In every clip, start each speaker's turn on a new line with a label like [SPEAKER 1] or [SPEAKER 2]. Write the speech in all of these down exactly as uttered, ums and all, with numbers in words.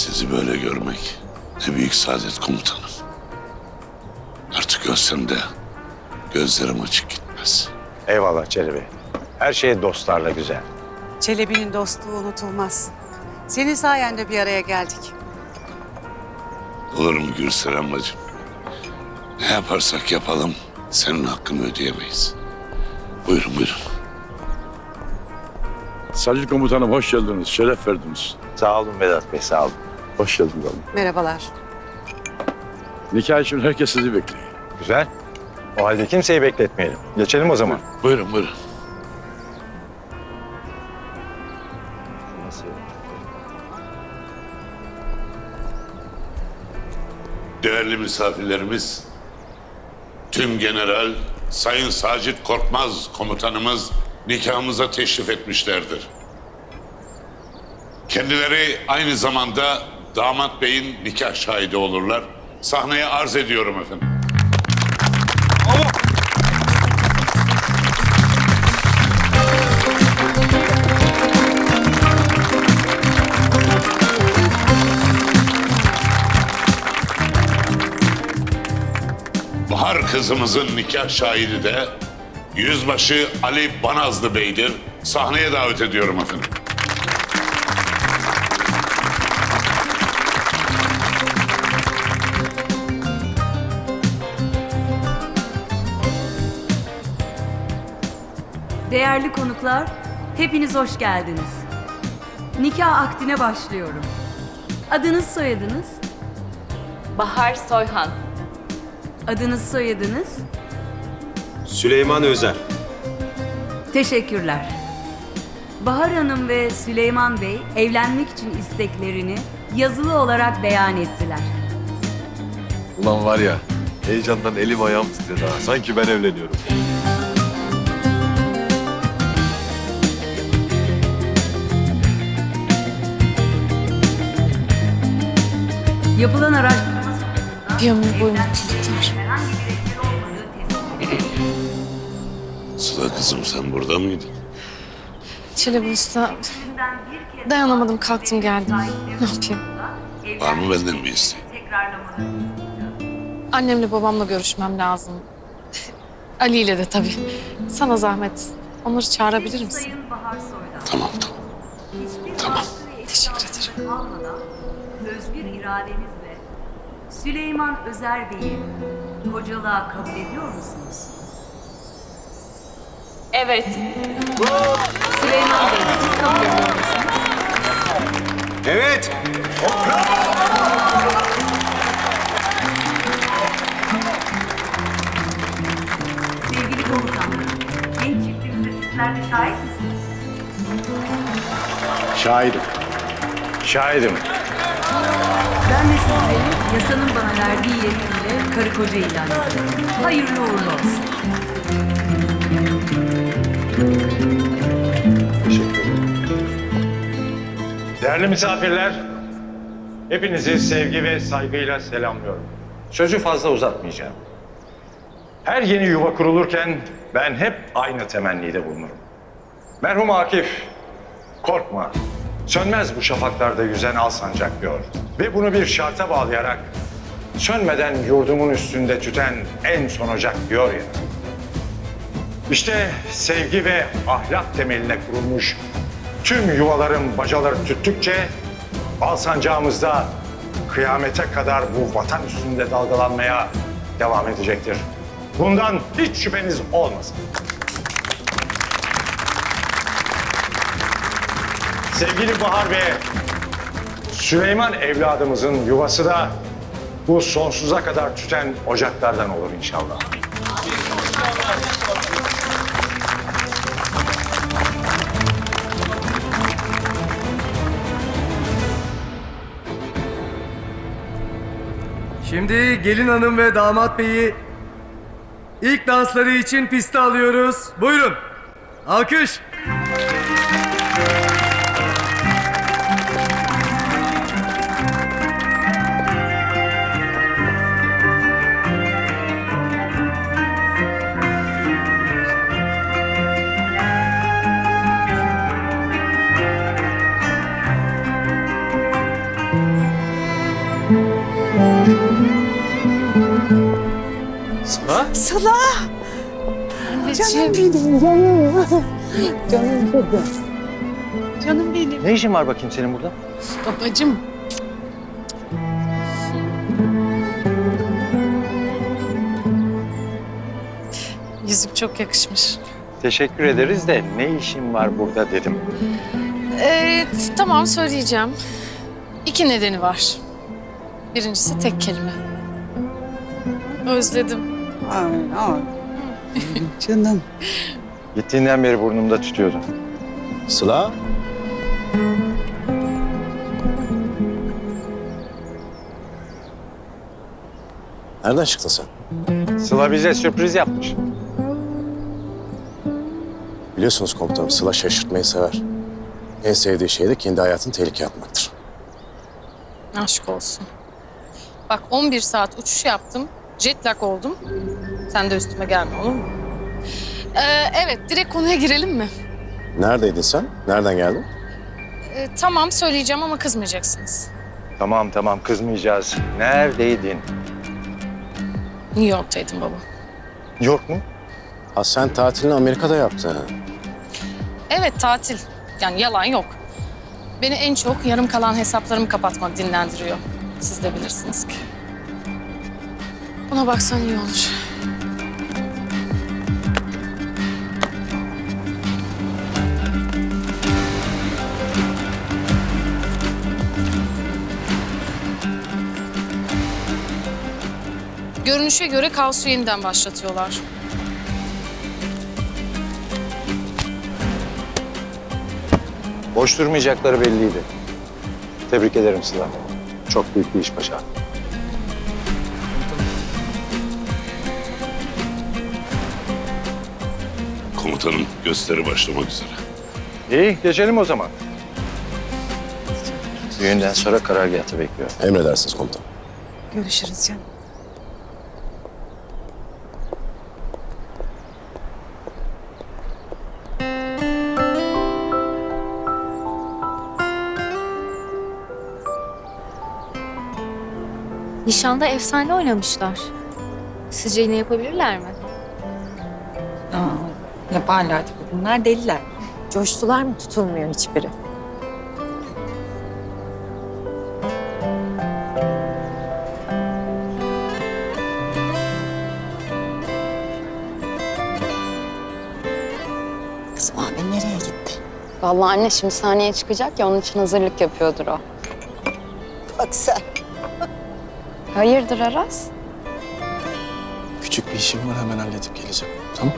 [SPEAKER 1] Sizi böyle görmek ne büyük saadet komutanım. Artık ölsem de gözlerim açık gitmez.
[SPEAKER 2] Eyvallah Çelebi. Her şey dostlarla güzel.
[SPEAKER 3] Çelebi'nin dostluğu unutulmaz. Senin sayende bir araya geldik.
[SPEAKER 1] Olur mu Gülseren bacım? Ne yaparsak yapalım senin hakkını ödeyemeyiz. Buyurun buyurun.
[SPEAKER 4] Salih komutanım hoş geldiniz, şeref verdiniz.
[SPEAKER 2] Sağ olun Vedat Bey, sağ olun.
[SPEAKER 4] Hoş geldiniz oğlum.
[SPEAKER 3] Merhabalar.
[SPEAKER 4] Nikah için herkes sizi bekliyor.
[SPEAKER 2] Güzel. O halde kimseyi bekletmeyelim. Geçelim o zaman.
[SPEAKER 1] Buyurun buyurun. Değerli misafirlerimiz, tüm general Sayın Sacit Korkmaz komutanımız nikahımıza teşrif etmişlerdir. Kendileri aynı zamanda damat beyin nikah şahidi olurlar. Sahneye arz ediyorum efendim. Bahar kızımızın nikah şahidi de Yüzbaşı Ali Banazlı Bey'dir. Sahneye davet ediyorum efendim.
[SPEAKER 5] Değerli konuklar, hepiniz hoş geldiniz. Nikah akdine başlıyorum. Adınız, soyadınız?
[SPEAKER 6] Bahar Soyhan.
[SPEAKER 5] Adınız, soyadınız?
[SPEAKER 7] Süleyman Özer.
[SPEAKER 5] Teşekkürler. Bahar Hanım ve Süleyman Bey evlenmek için isteklerini yazılı olarak beyan ettiler.
[SPEAKER 7] Ulan var ya, heyecandan elim ayağım titredi ha. Sanki ben evleniyorum.
[SPEAKER 5] Yapılan araştırma sonucunda
[SPEAKER 6] Bir ömür boyunca
[SPEAKER 5] evlenmek
[SPEAKER 6] çocuklar.
[SPEAKER 5] için herhangi bir engel olmadığı tespit edildi.
[SPEAKER 1] Sıla kızım sen burada mıydın?
[SPEAKER 6] Çelebi Usta,
[SPEAKER 5] Bizden bir kez
[SPEAKER 6] dayanamadım kalktım geldim.
[SPEAKER 5] daha
[SPEAKER 6] Ne yapayım?
[SPEAKER 1] Var mı benden bir isteğin?
[SPEAKER 5] tekrarlamalarını istiyor.
[SPEAKER 6] Annemle babamla görüşmem lazım. Ali ile de tabii. Sana zahmet. Onları çağırabilir misin?
[SPEAKER 5] Sayın Bahar Soydan.
[SPEAKER 1] Tamam tamam.
[SPEAKER 5] Hiçbir
[SPEAKER 1] Tamam.
[SPEAKER 5] baskı ve
[SPEAKER 6] Teşekkür
[SPEAKER 5] itiraz
[SPEAKER 6] ederim.
[SPEAKER 5] kalmadan özgür iradenizle Süleyman Özer Bey'i kocalığa kabul ediyor musunuz?
[SPEAKER 6] Evet.
[SPEAKER 5] Süleyman Bey, siz kabul ediyor musunuz?
[SPEAKER 7] Evet.
[SPEAKER 5] Sevgili komutanlarım, genç çiftimize sizler de şahit misiniz?
[SPEAKER 2] Şahidim. Şahidim.
[SPEAKER 5] Ben de sizleri yasanın bana verdiği yetkiyle karı koca ilan ediyorum. Hayırlı uğurlu olsun.
[SPEAKER 2] Teşekkür ederim. Değerli misafirler, hepinizi sevgi ve saygıyla selamlıyorum. Sözü fazla uzatmayacağım. Her yeni yuva kurulurken ben hep aynı temennide bulunurum. Merhum Akif, korkma, sönmez bu şafaklarda yüzen al sancak diyor. Ve bunu bir şarta bağlayarak, sönmeden yurdumun üstünde tüten en son ocak diyor ya. İşte sevgi ve ahlak temeline kurulmuş tüm yuvaların bacaları tüttükçe al sancağımızda kıyamete kadar bu vatan üstünde dalgalanmaya devam edecektir. Bundan hiç şüpheniz olmasın. Sevgili Bahar ve Süleyman evladımızın yuvası da bu sonsuza kadar tüten ocaklardan olur inşallah.
[SPEAKER 8] Şimdi gelin hanım ve damat beyi ilk dansları için piste alıyoruz. Buyurun. Alkış.
[SPEAKER 2] Sıla?
[SPEAKER 3] Sıla!
[SPEAKER 6] Anneciğim.
[SPEAKER 3] benim, canım. Canım benim. Canım benim.
[SPEAKER 2] Ne işin var bakayım senin burada?
[SPEAKER 6] Babacığım. Yüzük çok yakışmış.
[SPEAKER 2] Teşekkür ederiz de ne işin var burada dedim.
[SPEAKER 6] Ee, tamam söyleyeceğim. İki nedeni var. Birincisi tek kelime. Özledim.
[SPEAKER 3] Ay, ay. Canım.
[SPEAKER 2] Gittiğinden beri burnumda tütüyordu.
[SPEAKER 4] Sıla? Nereden çıktın sen?
[SPEAKER 2] Sıla bize sürpriz yapmış.
[SPEAKER 4] Biliyorsunuz komutanım, Sıla şaşırtmayı sever. En sevdiği şey de kendi hayatını tehlikeye atmaktır.
[SPEAKER 6] Aşk olsun. Bak on bir saat uçuş yaptım. Jet lag oldum. Sen de üstüme gelme olur mu? Ee, evet direkt konuya girelim mi?
[SPEAKER 4] Neredeydin sen? Nereden geldin?
[SPEAKER 6] Ee, tamam söyleyeceğim ama kızmayacaksınız.
[SPEAKER 2] Tamam tamam kızmayacağız. Neredeydin?
[SPEAKER 6] New York'taydım baba.
[SPEAKER 2] Yok mu?
[SPEAKER 4] Ha sen tatilini Amerika'da yaptın.
[SPEAKER 6] Evet tatil. Yani yalan yok. Beni en çok yarım kalan hesaplarımı kapatmak dinlendiriyor. Siz de bilirsiniz ki. Buna baksan iyi olur. Görünüşe göre kaosu yeniden başlatıyorlar.
[SPEAKER 2] Boş durmayacakları belliydi. Tebrik ederim Sıla. Çok büyük bir iş başardın.
[SPEAKER 1] Komutanım gösteri başlamak üzere.
[SPEAKER 2] İyi, geçelim o zaman. Düğünden sonra karargâhta bekliyor.
[SPEAKER 4] Emredersiniz komutanım.
[SPEAKER 3] Görüşürüz canım.
[SPEAKER 9] Nişanda efsane oynamışlar. Sizce yine yapabilirler mi?
[SPEAKER 10] Aa, yaparlar tabii. Bunlar deliler. Coştular mı tutulmuyor hiçbiri. Kızım abi nereye gitti?
[SPEAKER 9] Vallahi anne şimdi sahneye çıkacak ya onun için hazırlık yapıyordur o.
[SPEAKER 10] Bak sen.
[SPEAKER 9] Hayırdır Aras?
[SPEAKER 4] Küçük bir işim var, hemen halledip geleceğim. Tamam.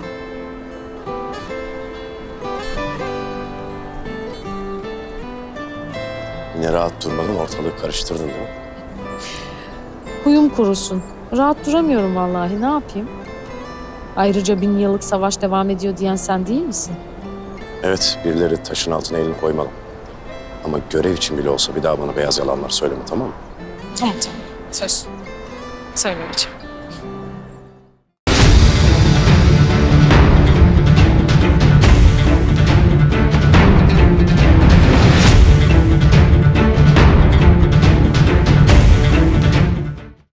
[SPEAKER 4] Yine rahat durmadın, ortalığı karıştırdın değil mi?
[SPEAKER 6] Huyum kurusun. Rahat duramıyorum vallahi. Ne yapayım? Ayrıca bin yıllık savaş devam ediyor diyen sen değil misin?
[SPEAKER 4] Evet, birileri taşın altına elini koymalı. Ama görev için bile olsa bir daha bana beyaz yalanlar söyleme, tamam mı?
[SPEAKER 6] Tamam tamam. Söz. Söylemeyeceğim.